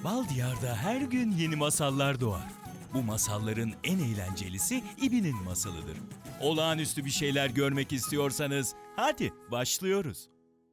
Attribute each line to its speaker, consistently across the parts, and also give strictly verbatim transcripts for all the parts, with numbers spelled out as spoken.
Speaker 1: Bal Diyar'da her gün yeni masallar doğar. Bu masalların en eğlencelisi İbi'nin masalıdır. Olağanüstü bir şeyler görmek istiyorsanız hadi başlıyoruz.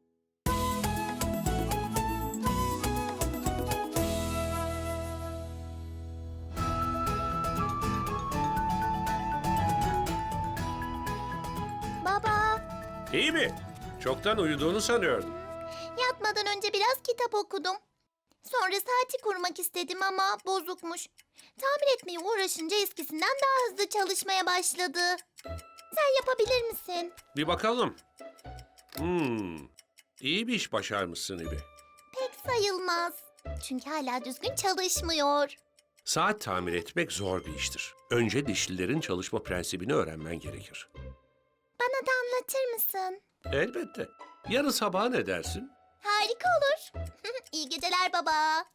Speaker 2: Baba,
Speaker 3: İyi mi? Çoktan uyuduğunu sanıyordum.
Speaker 2: yatmadan önce biraz kitap okudum. Sonra saati kurmak istedim ama bozukmuş. Tamir etmeye uğraşınca eskisinden daha hızlı çalışmaya başladı. Sen yapabilir misin?
Speaker 3: Bir bakalım. Hmm, iyi bir iş başarmışsın İbi.
Speaker 2: Pek sayılmaz. Çünkü hala düzgün çalışmıyor.
Speaker 3: Saat tamir etmek zor bir iştir. Önce dişlilerin çalışma prensibini öğrenmen gerekir.
Speaker 2: Bana da anlatır mısın?
Speaker 3: Elbette. Yarın sabah ne dersin?
Speaker 2: Harika olur. İyi geceler baba.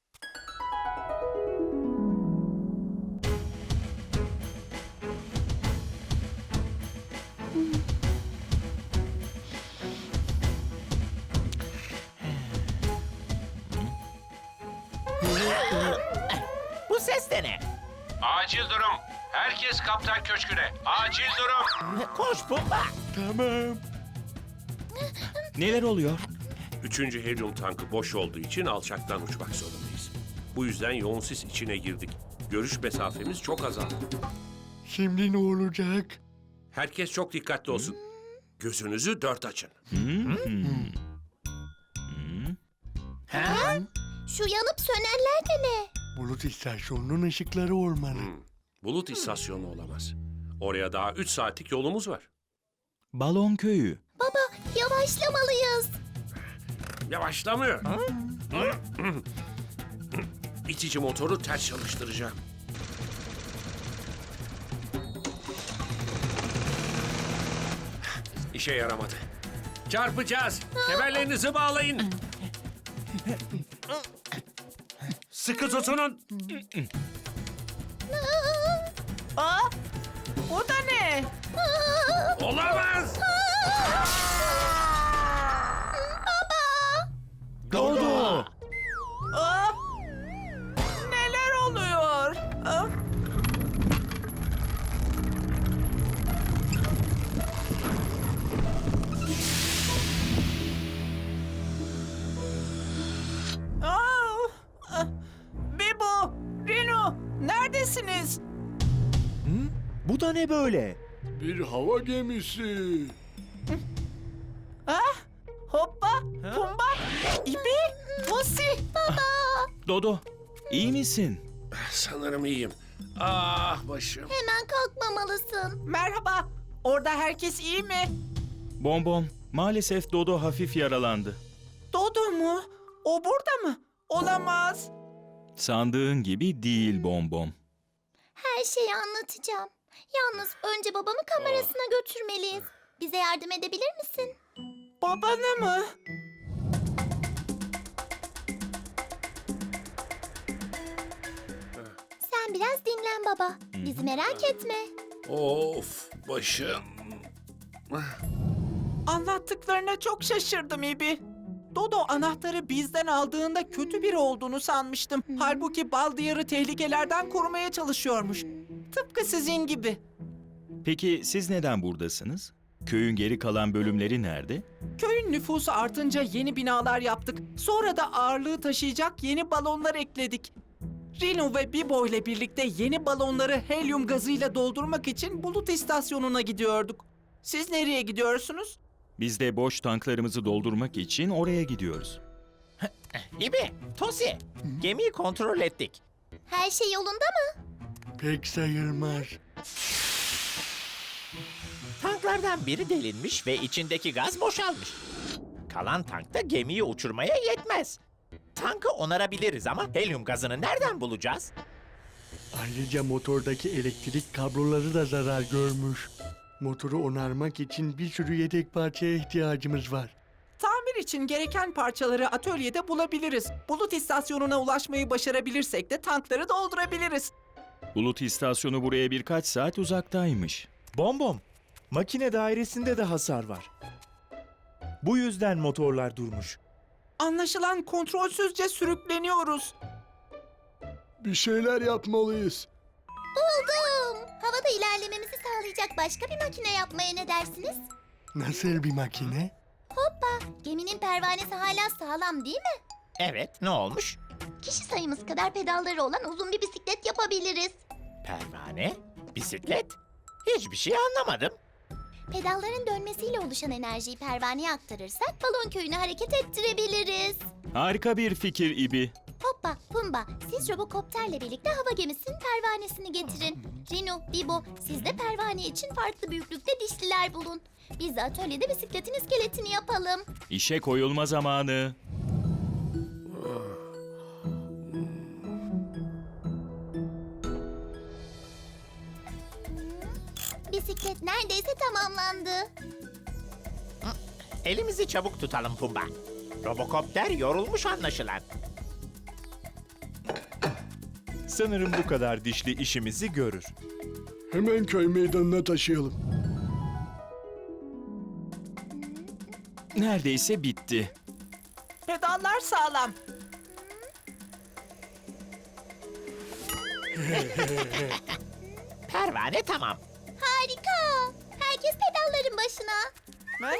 Speaker 4: Bu ses de ne?
Speaker 3: Acil durum. Herkes kaptan köşküne. Acil durum.
Speaker 4: Koş Pumba.
Speaker 1: Tamam. Neler oluyor?
Speaker 3: Üçüncü helyum tankı boş olduğu için alçaktan uçmak zorundayız. Bu yüzden yoğun sis içine girdik. Görüş mesafemiz çok azaldı.
Speaker 5: Şimdi ne olacak?
Speaker 3: Herkes çok dikkatli olsun. Gözünüzü dört açın.
Speaker 4: Ha?
Speaker 2: Şu yanıp sönenler de ne?
Speaker 5: Bulut istasyonunun ışıkları olmalı.
Speaker 3: Bulut istasyonu olamaz. Oraya daha üç saatlik yolumuz var.
Speaker 1: Balon köyü.
Speaker 2: Baba, yavaşlamalıyız.
Speaker 3: Yavaşlamıyor. İtici motoru ters çalıştıracağım. İşe yaramadı. Çarpacağız. Kemerlerinizi bağlayın. Sıkı tutunun.
Speaker 4: Aa, o da ne?
Speaker 3: Olamaz.
Speaker 1: Dodo!
Speaker 4: Aa, neler oluyor? Aa, Aa, ah, Bibo, Rino, neredesiniz?
Speaker 1: Bu da ne böyle?
Speaker 5: Bir hava gemisi.
Speaker 4: Ah, hoppa, Pumba, İbi, Tosi.
Speaker 1: Dodo, iyi misin?
Speaker 3: Sanırım iyiyim. Ah başım.
Speaker 2: Hemen kalkmamalısın.
Speaker 4: Merhaba, orada herkes iyi mi?
Speaker 1: Bonbon, maalesef Dodo hafif yaralandı.
Speaker 4: Dodo mu? O burada mı? Olamaz.
Speaker 1: Sandığın gibi değil Bonbon.
Speaker 2: Her şeyi anlatacağım. Yalnız önce babamı kamerasına götürmeliyiz. Bize yardım edebilir misin?
Speaker 4: Babanı mı?
Speaker 2: Sen biraz dinlen baba. Bizi merak etme.
Speaker 3: Of başım.
Speaker 4: Anlattıklarına çok şaşırdım İbi. Dodo anahtarı bizden aldığında kötü biri olduğunu sanmıştım. Halbuki Bal Diyarı tehlikelerden korumaya çalışıyormuş. Tıpkı sizin gibi.
Speaker 1: Peki siz neden buradasınız? Köyün geri kalan bölümleri nerede?
Speaker 4: Köyün nüfusu artınca yeni binalar yaptık. Sonra da ağırlığı taşıyacak yeni balonlar ekledik. Rino ve Bibo ile birlikte yeni balonları helyum gazıyla doldurmak için bulut istasyonuna gidiyorduk. Siz nereye gidiyorsunuz?
Speaker 1: Biz de boş tanklarımızı doldurmak için oraya gidiyoruz.
Speaker 6: İbi, Tosi, gemiyi kontrol ettik.
Speaker 2: Her şey yolunda mı?
Speaker 5: Pek sayılmaz.
Speaker 6: Tanklardan biri delinmiş ve içindeki gaz boşalmış. Kalan tank da gemiyi uçurmaya yetmez. Tankı onarabiliriz ama helyum gazını nereden bulacağız?
Speaker 5: Ayrıca motordaki elektrik kabloları da zarar görmüş. Motoru onarmak için bir sürü yedek parçaya ihtiyacımız var.
Speaker 4: Tamir için gereken parçaları atölyede bulabiliriz. Bulut istasyonuna ulaşmayı başarabilirsek de tankları doldurabiliriz.
Speaker 1: Bulut istasyonu buraya birkaç saat uzaktaymış.
Speaker 7: Bombom, makine dairesinde de hasar var. Bu yüzden motorlar durmuş.
Speaker 4: Anlaşılan kontrolsüzce sürükleniyoruz.
Speaker 5: Bir şeyler yapmalıyız.
Speaker 2: Buldum. Havada ilerlememizi sağlayacak başka bir makine yapmaya ne dersiniz?
Speaker 5: Nasıl bir makine?
Speaker 2: Hoppa, geminin pervanesi hala sağlam değil mi?
Speaker 6: Evet, ne olmuş?
Speaker 2: Kişi sayımız kadar pedalları olan uzun bir bisiklet yapabiliriz.
Speaker 6: Pervane, bisiklet. Hiçbir şey anlamadım.
Speaker 2: Pedalların dönmesiyle oluşan enerjiyi pervaneye aktarırsak balon köyünü hareket ettirebiliriz.
Speaker 1: Harika bir fikir İbi.
Speaker 2: Hoppa, Pumba, siz robokopterle birlikte hava gemisinin pervanesini getirin. Rino, Bibo, siz de pervane için farklı büyüklükte dişliler bulun. Biz de atölyede bisikletin iskeletini yapalım.
Speaker 1: İşe koyulma zamanı.
Speaker 2: Bisiklet neredeyse tamamlandı.
Speaker 6: Elimizi çabuk tutalım Pumba. Robokopter yorulmuş anlaşılan.
Speaker 7: Sanırım bu kadar dişli işimizi görür.
Speaker 5: Hemen köy meydanına taşıyalım.
Speaker 1: Neredeyse bitti.
Speaker 4: Pedallar sağlam.
Speaker 6: Pervane tamam.
Speaker 2: Harika. Herkes pedalların başına.
Speaker 4: Ha?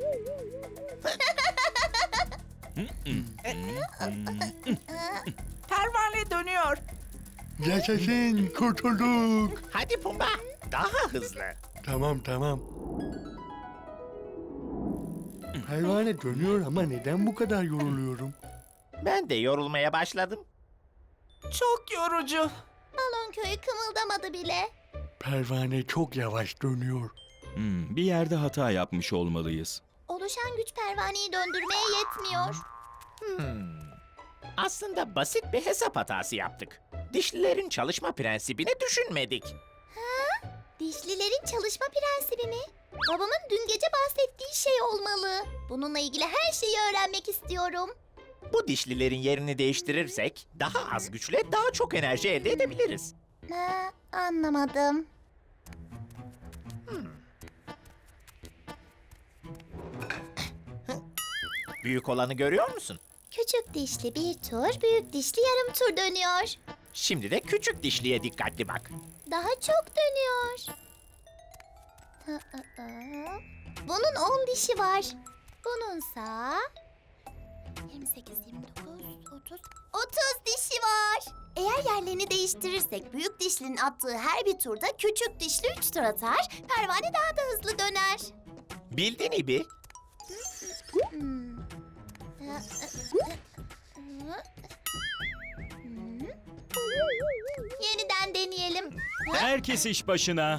Speaker 4: Pervane dönüyor.
Speaker 5: Yaşasın, kurtulduk.
Speaker 6: Hadi Pumba, daha hızlı.
Speaker 5: Tamam tamam. Hayvane dönüyor ama neden bu kadar yoruluyorum?
Speaker 6: Ben de yorulmaya başladım.
Speaker 4: Çok yorucu.
Speaker 2: Balon köyü kımıldamadı bile.
Speaker 5: Pervane çok yavaş dönüyor.
Speaker 1: Hmm, bir yerde hata yapmış olmalıyız.
Speaker 2: Oluşan güç pervaneyi döndürmeye yetmiyor.
Speaker 6: Hmm. Aslında basit bir hesap hatası yaptık. Dişlilerin çalışma prensibini düşünmedik.
Speaker 2: Dişlilerin çalışma prensibi mi? Babamın dün gece bahsettiği şey olmalı. Bununla ilgili her şeyi öğrenmek istiyorum.
Speaker 6: Bu dişlilerin yerini değiştirirsek daha az güçle daha çok enerji elde edebiliriz.
Speaker 2: Ha, anlamadım.
Speaker 6: Büyük olanı görüyor musun?
Speaker 2: Küçük dişli bir tur, büyük dişli yarım tur dönüyor.
Speaker 6: Şimdi de küçük dişliye dikkatli bak.
Speaker 2: Daha çok dönüyor. Hı, hı, hı. Bunun on dişi var. Bununsa yirmi sekiz, yirmi dokuz, otuz, otuz dişi var. Eğer yerlerini değiştirirsek büyük dişlinin attığı her bir turda küçük dişli üç tur atar, pervane daha da hızlı döner.
Speaker 6: Bildin İbi.
Speaker 2: Hmm. Hı, hı, hı, hı. Hmm. Yeniden deneyelim.
Speaker 1: Herkes iş başına.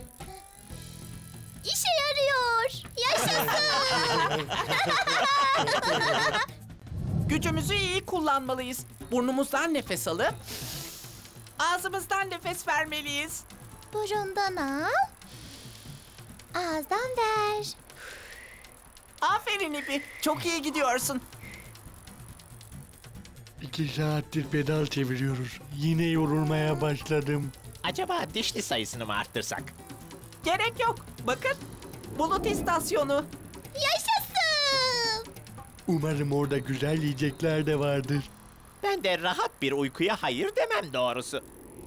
Speaker 2: İşe yarıyor. Yaşasın.
Speaker 4: Gücümüzü iyi kullanmalıyız. Burnumuzdan nefes alıp ağzımızdan nefes vermeliyiz.
Speaker 2: Burundan al. Ağızdan ver.
Speaker 4: Aferin İbi. Çok iyi gidiyorsun.
Speaker 5: İki saattir pedal çeviriyoruz. Yine yorulmaya başladım.
Speaker 6: Acaba dişli sayısını mı arttırsak?
Speaker 4: Gerek yok. Bakın. Bulut istasyonu.
Speaker 2: Yaşasın.
Speaker 5: Umarım orada güzel yiyecekler de vardır.
Speaker 6: Ben de rahat bir uykuya hayır demem doğrusu.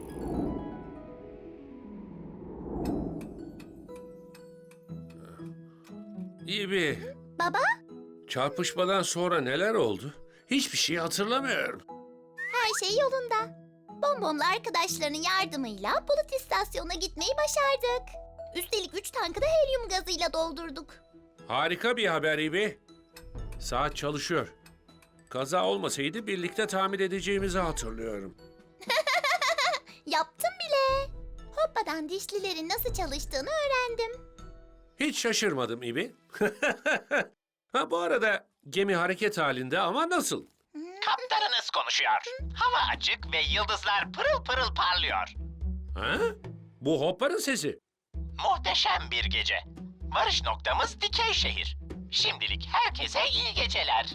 Speaker 3: İyi bir.
Speaker 2: Baba,
Speaker 3: Çarpışmadan sonra neler oldu? Hiçbir şey hatırlamıyorum.
Speaker 2: her şey yolunda. Bonbonlu arkadaşlarının yardımıyla bulut istasyonuna gitmeyi başardık. Üstelik üç tankı da helyum gazıyla doldurduk.
Speaker 3: Harika bir haber İbi. Saat çalışıyor. Kaza olmasaydı birlikte tamir edeceğimizi hatırlıyorum.
Speaker 2: Yaptım bile. Hoppa'dan dişlilerin nasıl çalıştığını öğrendim.
Speaker 3: Hiç şaşırmadım İbi. Ha bu arada gemi hareket halinde ama nasıl?
Speaker 6: Kaptanınız konuşuyor. Hava açık ve yıldızlar pırıl pırıl parlıyor.
Speaker 3: Ha? Bu Hoppa'nın sesi.
Speaker 6: Muhteşem bir gece. Varış noktamız Dikey Şehir. Şimdilik herkese iyi geceler.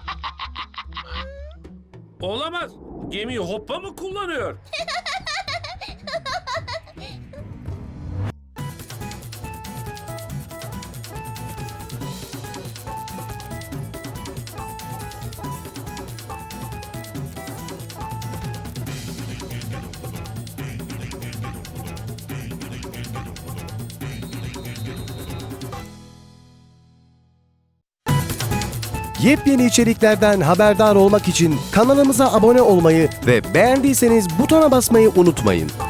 Speaker 3: Olamaz. Gemi Hoppa mı kullanıyor?
Speaker 8: Yepyeni içeriklerden haberdar olmak için kanalımıza abone olmayı ve beğendiyseniz butona basmayı unutmayın.